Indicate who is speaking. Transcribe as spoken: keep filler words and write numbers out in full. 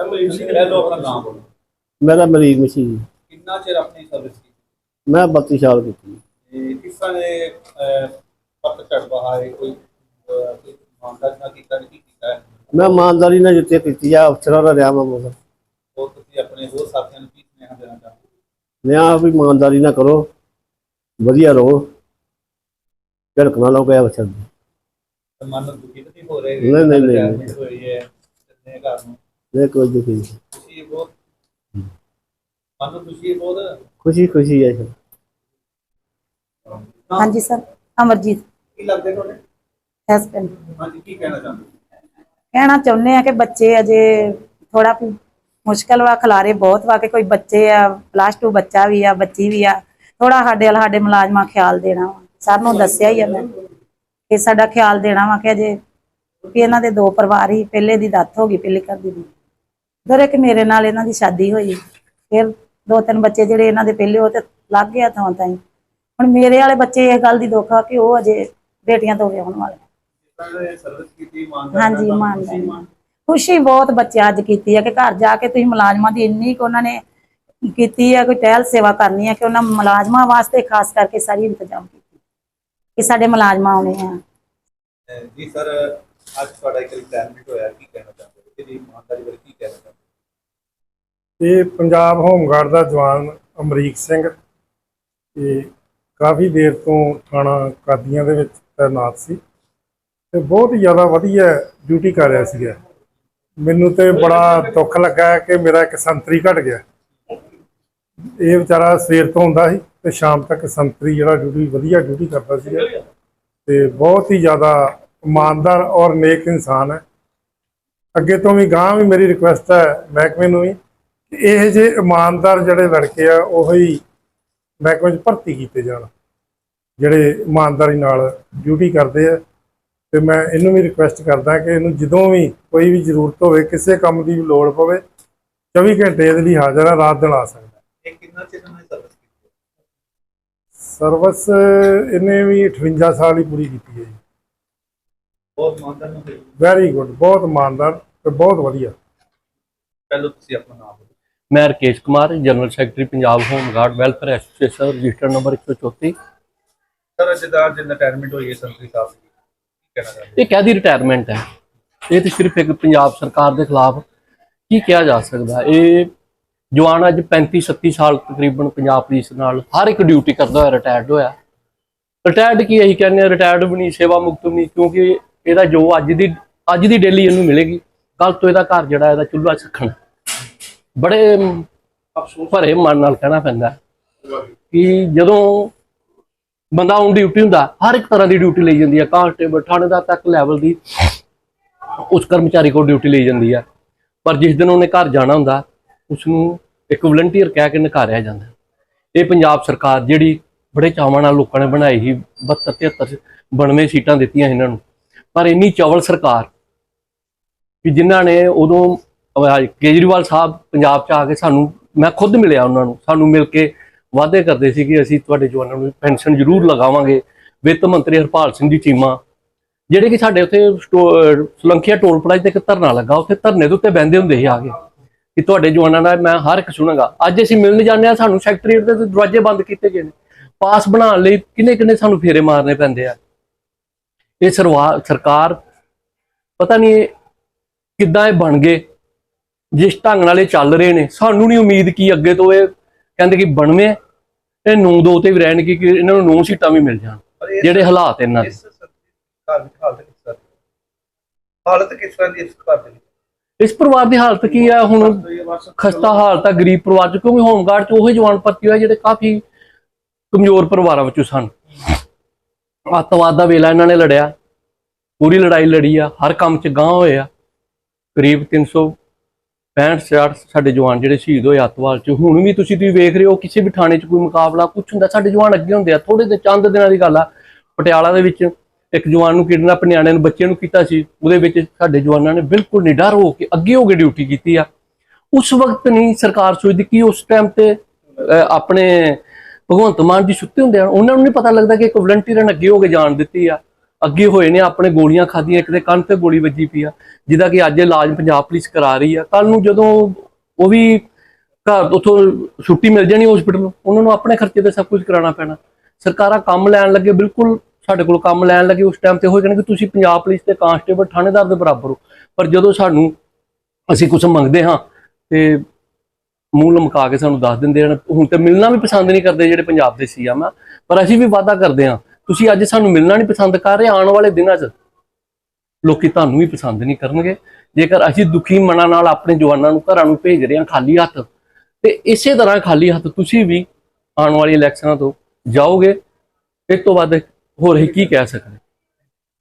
Speaker 1: मेरा मरीज मसीह जी।
Speaker 2: कितना चिर अपनी सर्विस की?
Speaker 1: मैं बत्ती साल की थी।
Speaker 2: ਤੇ ਕਿਸ ਤਰ੍ਹਾਂ ਦੇ ਪੱਤ ਚੜਵਾ ਹੈ ਕੋਈ ਮਾਨਦਾਰ ਨਾ ਕੀਤਾ ਨਹੀਂ ਕੀਤਾ ਹੈ?
Speaker 1: मैं ईमानदारी ने जिते की अफसर का रहा मैं मगर
Speaker 2: ਉਹ ਤੁਸੀਂ ਆਪਣੇ ਹੋਰ ਸਾਥੀਆਂ ਨੂੰ ਕੀ ਸੁਨੇਹਾ ਦੇਣਾ ਚਾਹੁੰਦੇ ਹੋ?
Speaker 1: मैं भी ईमानदारी ना करो, वधिया रहो, झड़क ना लो गया अफसर की।
Speaker 2: ਮਨ ਨੂੰ ਦੁਖੀ ਨਹੀਂ ਹੋ ਰਹੇ?
Speaker 1: नहीं नहीं नहीं
Speaker 2: ਹੋਈ ਹੈ ਕਿੰਨੇ ਘਰ ਨੂੰ
Speaker 1: नहीं कोई दुखी नहीं,
Speaker 2: खुशी है बहुत, मन को खुशी है बहुत,
Speaker 1: खुशी खुशी है सर।
Speaker 3: हाँ जी सर, अमरजीत
Speaker 2: की लगते हैं थोड़े?
Speaker 3: हस्बैंड।
Speaker 2: हाँ जी, की कहना चाहते हैं?
Speaker 3: कहना चाਹੁੰਦੇ ਆ ਕਿ ਬੱਚੇ ਅਜੇ ਥੋੜਾ ਮੁਸ਼ਕਲ ਵਾ, ਖਲਾਰੇ ਬਹੁਤ ਵਾ ਕਿ ਕੋਈ ਬੱਚੇ ਆ, ਪਲੱਸ ਟੂ ਬੱਚਾ ਵੀ ਆ, ਬੱਚੀ ਵੀ ਆ, ਥੋੜਾ ਸਾਡੇ ਵਾਲ ਸਾਡੇ ਮੁਲਾਜ਼ਮਾਂ ਖਿਆਲ ਦੇਣਾ ਵਾ। ਸਰ ਨੂੰ ਦੱਸਿਆ ਹੀ ਆ ਮੈਂ ਕਿ ਸਾਡਾ ਖਿਆਲ ਦੇਣਾ ਵਾ ਕਿ ਅਜੇ ਕਿ ਇਹਨਾਂ ਦੇ ਦੋ ਪਰਿਵਾਰ ਹੀ, ਪਹਿਲੇ ਦੀ ਡੈਥ ਹੋ ਗਈ ਪਹਿਲੇ ਘਰ ਦੀ, ਫਿਰ ਇੱਕ ਮੇਰੇ ਨਾਲ ਇਹਨਾਂ ਦੀ ਸ਼ਾਦੀ ਹੋਈ, ਫਿਰ ਦੋ ਤਿੰਨ ਬੱਚੇ ਜਿਹੜੇ ਇਹਨਾਂ ਦੇ ਪਹਿਲੇ ਉਹ ਤੇ ਲੱਗ ਗਿਆ ਥਾਂ ਤਾਈਂ। ਹੁਣ ਮੇਰੇ ਵਾਲੇ ਬੱਚੇ ਇਸ ਗੱਲ ਦੀ ਦੁੱਖ ਆ ਕਿ ਉਹ ਅਜੇ ਬੇਟੀਆਂ ਤੋਂ ਵਿਆਹੁਣ ਵਾਲੇ। ਹਾਂਜੀ ਇਮਾਨਦਾਰ ਖੁਸ਼ੀ ਬਹੁਤ ਬੱਚਿਆਂ ਅੱਜ ਕੀਤੀ ਹੈ ਕਿ ਘਰ ਜਾ ਕੇ ਤੁਸੀਂ ਮੁਲਾਜ਼ਮਾਂ ਦੀ ਇੰਨੀ ਕੁ ਉਹਨਾਂ ਨੇ ਕੀਤੀ ਹੈ, ਕੋਈ ਟਹਿਲ ਸੇਵਾ ਕਰਨੀ ਹੈ ਕਿ ਉਹਨਾਂ ਮੁਲਾਜ਼ਮਾਂ ਵਾਸਤੇ ਖਾਸ ਕਰਕੇ ਸਾਰੀ ਇੰਤਜ਼ਾਮ ਕੀਤੀ ਕਿ ਸਾਡੇ ਮੁਲਾਜ਼ਮਾਂ ਆਉਣੇ ਆ।
Speaker 2: ਜੀ ਸਰ, ਅੱਜ ਤੁਹਾਡਾ ਇੱਕ ਰਿਟਾਇਰਮੈਂਟ ਹੋਇਆ, ਕੀ ਕਹਿਣਾ ਚਾਹੁੰਦੇ ਹੋ? ਇਹਦੀ ਇਮਾਨਦਾਰੀ ਬਾਰੇ ਕੀ ਕਹਿਣਾ ਚਾਹੁੰਦੇ?
Speaker 4: ਇਹ ਪੰਜਾਬ ਹੋਮਗਾਰਡ ਦਾ ਜਵਾਨ ਅਮਰੀਕ ਸਿੰਘ ਇਹ ਕਾਫੀ ਦੇਰ ਤੋਂ ਥਾਣਾ ਕਾਦੀਆਂ ਦੇ ਵਿੱਚ ਤੈਨਾਤ ਸੀ ਤੇ ਬਹੁਤ ਜ਼ਿਆਦਾ ਵਧੀਆ ਡਿਊਟੀ ਕਰ ਰਿਹਾ ਸੀਗਾ। ਮੈਨੂੰ ਤੇ ਬੜਾ ਦੁੱਖ ਲੱਗਾ ਕਿ ਮੇਰਾ ਇੱਕ ਸੰਤਰੀ ਘਟ ਗਿਆ। ਇਹ ਵਿਚਾਰਾ ਸਵੇਰ ਤੋਂ ਹੁੰਦਾ ਸੀ ਤੇ ਸ਼ਾਮ ਤੱਕ ਸੰਤਰੀ ਜਿਹੜਾ ਡਿਊਟੀ ਵਧੀਆ ਡਿਊਟੀ ਕਰਦਾ ਸੀਗਾ ਤੇ ਬਹੁਤ ਹੀ ਜ਼ਿਆਦਾ ईमानदार और नेक इंसान है। अगे तो भी गांह भी मेरी रिक्वेस्ट है महकमे नूं भी कि ये जे ईमानदार जिहड़े लड़के आ उही महकमे च भर्ती कीते जाण जिहड़े ईमानदारी नाल ड्यूटी करते हैं। तो मैं इनू भी रिक्वेस्ट करदा कि इनू जदों भी कोई भी जरूरत होवे, किसी काम की भी लोड़ पवे, चौबी घंटे इहदे लई हाज़र है, रात दिन आ सकदा।
Speaker 2: ਇਹ ਕਿੰਨਾ ਚਿਰ ਉਹਨੇ ਸਰਵਿਸ ਕੀਤੀ?
Speaker 4: सर्विस इन्हें भी अठवंजा साल ही पूरी की है जी।
Speaker 2: बहुत ईमानदार ने।
Speaker 4: वैरी गुड, बहुत ईमानदार ते बहुत वधिया।
Speaker 2: पहले तुसीं अपना नाम बोलो।
Speaker 5: मैं Rakesh Kumar, general secretary Punjab home guard welfare association, register number एक सौ चौंती।
Speaker 2: सर जिद्दां जिन रिटायरमेंट हुई है संतरी साहब की, की कहना चाहते?
Speaker 5: ये कहदी रिटायरमेंट है, ये तो सिर्फ एक पंजाब सरकार के खिलाफ की किया जा सकता है। ये जवान अज पैंती सत्ती साल तकरीबन पंजाब पुलिस नाल हर एक ड्यूटी करता हुआ रिटायर्ड होया। रिटायर्ड की यही कहने रिटायर्ड भी नहीं, सेवा मुक्त भी नहीं, क्योंकि ਇਹਦਾ ਜੋ ਅੱਜ ਦੀ ਅੱਜ ਦੀ ਡੇਲੀ ਇਹਨੂੰ ਮਿਲੇਗੀ, ਕੱਲ ਤੋਂ ਇਹਦਾ ਘਰ ਜਿਹੜਾ ਇਹਦਾ ਚੁੱਲ੍ਹਾ ਸਖਣ। ਬੜੇ ਅਫਸੋਸ ਭਰੇ ਮਨ ਨਾਲ ਕਹਿਣਾ ਪੈਂਦਾ ਕਿ ਜਦੋਂ ਬੰਦਾ ਔਨ ਡਿਊਟੀ ਹੁੰਦਾ ਹਰ ਇੱਕ ਤਰ੍ਹਾਂ ਦੀ ਡਿਊਟੀ ਲਈ ਜਾਂਦੀ ਹੈ, ਕਾਂਸਟੇਬਲ ਥਾਣੇਦਾਰ ਤੱਕ ਲੈਵਲ ਦੀ ਉਸ ਕਰਮਚਾਰੀ ਕੋਲ ਡਿਊਟੀ ਲਈ ਜਾਂਦੀ ਹੈ, ਪਰ ਜਿਸ ਦਿਨ ਉਹਨੇ ਘਰ ਜਾਣਾ ਹੁੰਦਾ ਉਸਨੂੰ ਇੱਕ ਵਲੰਟੀਅਰ ਕਹਿ ਕੇ ਨਕਾਰਿਆ ਜਾਂਦਾ। ਇਹ ਪੰਜਾਬ ਸਰਕਾਰ ਜਿਹੜੀ ਬੜੇ ਚਾਵਾਂ ਨਾਲ ਲੋਕਾਂ ਨੇ ਬਣਾਈ ਸੀ, ਬਹੱਤਰ ਤਿਹੱਤਰ ਬਾਨਵੇਂ ਸੀਟਾਂ ਦਿੱਤੀਆਂ ਇਹਨਾਂ ਨੂੰ, पर इन्नी चौवल सरकार कि जिन्होंने उदों केजरीवाल साहब पंजाब च आके सानू, मैं खुद मिलिया उन्होंने, सानू मिल के वादे करते सी कि असीं तुहाडे जवानां नूं पेंशन जरूर लगावांगे। वित्त मंत्री हरपाल सिंह जी चीमा जिहड़े कि साडे उत्थे सलंखिया टोल प्लाजा ते इक धरना लगा, उत्थे धरने दे उत्ते बहिंदे हुंदे सी आके कि तुहाडे जवानां दा मैं हर एक सुणांगा। अज असीं मिलण जांदे आ, सानू सैकटरीएट दे दरवाजे बंद कीते गए ने, पास बनाउण लई किन्ने किन्ने सानू फेरे मारने पैंदे आ। ये सरवा सरकार पता नहीं किद्दां बन गए, जिस ढंग नाल चल रहे हैं सानू नहीं उम्मीद की अगे तो ये कहते कि बनवे ते नौ दो ते भी रहन कि इन्हां नूं नौ सीटां भी मिल जाण। जिहड़े हालात इन्हां दे
Speaker 2: हालत किस तरह दी इस घर दे?
Speaker 5: इस परिवार की हालत की है हुण खस्ता हालत है गरीब परिवार च, क्योंकि होमगार्ड च उही जवान भर्ती होए जिहड़े काफ़ी कमजोर परिवारां विचों सन। अतवाद का वेला इन्होंने लड़िया, पूरी लड़ाई लड़ी आ, हर काम च गांह होए आ। करीब तीन सौ पैंठ छियाठ साडे जवान जिहड़े शहीद होए अतवाद च। हुण भी तुसीं तुसीं वेख रहे हो किसी भी थाने च कोई मुकाबला कुछ हुंदा साडे जवान अगे हुंदे आ। थोड़े दे चंद दिनां दी गल आ, पटियाला दे विच एक जवान नूं किडनैप न्याणे नूं बच्चे नूं कीता सी, उहदे विच साडे जवानां ने बिल्कुल निडर हो के अगे हो के ड्यूटी कीती आ। उस वक्त नहीं सरकार सोचदी कि उस टाइम ते अपने भगवंत मान जी सुत्ते होंदे, उन्होंने नहीं पता लगता कि एक वलंटीयर ने अगे हो के जान दी आ। ਅੱਗੇ ਹੋਏ ਨੇ, ਆਪਣੇ ਗੋਲੀਆਂ ਖਾਧੀਆਂ, ਇੱਕ ਦੇ ਕੰਨ ਤੇ ਗੋਲੀ ਵੱਜੀ ਪਈ ਆ, ਜਿਹਦਾ ਕਿ ਅੱਜ ਇਲਾਜ ਪੰਜਾਬ ਪੁਲਿਸ ਕਰਾ ਰਹੀ ਆ। ਕੱਲ ਨੂੰ ਜਦੋਂ ਉਹ ਵੀ ਘਰ ਉੱਥੋਂ ਛੁੱਟੀ ਮਿਲ ਜਾਣੀ ਹਸਪੀਟਲ, ਉਹਨਾਂ ਨੂੰ ਆਪਣੇ ਖਰਚੇ ਤੇ ਸਭ ਕੁਝ ਕਰਾਉਣਾ ਪੈਣਾ। ਸਰਕਾਰਾਂ ਕੰਮ ਲੈਣ ਲੱਗੇ, ਬਿਲਕੁਲ ਸਾਡੇ ਕੋਲ ਕੰਮ ਲੈਣ ਲੱਗੇ ਉਸ ਟਾਈਮ ਤੇ ਹੋ ਜਾਣਗੇ ਤੁਸੀਂ ਪੰਜਾਬ ਪੁਲਿਸ ਤੇ ਕਾਂਸਟੇਬਲ ਥਾਣੇਦਾਰ ਦੇ ਬਰਾਬਰ ਹੋ। ਪਰ ਜਦੋਂ ਸਾਨੂੰ ਅਸੀਂ ਕੁਝ ਮੰਗਦੇ ਹਾਂ ਤੇ ਮੂੰਹ ਲਮਕਾ ਕੇ ਸਾਨੂੰ ਦੱਸ ਦਿੰਦੇ ਹਨ। ਹੁਣ ਤੇ ਮਿਲਣਾ ਵੀ ਪਸੰਦ ਨਹੀਂ ਕਰਦੇ ਜਿਹੜੇ ਪੰਜਾਬ ਦੇ ਸੀ ਆ ਮੈਂ, ਪਰ ਅਸੀਂ ਵੀ ਵਾਅਦਾ ਕਰਦੇ ਹਾਂ, ਤੁਸੀਂ ਅੱਜ ਸਾਨੂੰ ਮਿਲਣਾ ਨਹੀਂ ਪਸੰਦ ਕਰ ਰਹੇ, ਆਉਣ ਵਾਲੇ ਦਿਨਾਂ 'ਚ ਲੋਕੀ ਤੁਹਾਨੂੰ ਵੀ ਪਸੰਦ ਨਹੀਂ ਕਰਨਗੇ। ਜੇਕਰ ਅਸੀਂ ਦੁਖੀ ਮਨਾਂ ਨਾਲ ਆਪਣੇ ਜਵਾਨਾਂ ਨੂੰ ਘਰਾਂ ਨੂੰ ਭੇਜ ਰਹੇ ਹਾਂ ਖਾਲੀ ਹੱਥ, ਤੇ ਇਸੇ ਤਰ੍ਹਾਂ ਖਾਲੀ ਹੱਥ ਤੁਸੀਂ ਵੀ ਆਉਣ ਵਾਲੀ ਇਲੈਕਸ਼ਨਾਂ ਤੋਂ ਜਾਓਗੇ। ਇਸ ਤੋਂ ਵੱਧ ਹੋਰ ਅਸੀਂ ਕੀ ਕਹਿ ਸਕਦੇ।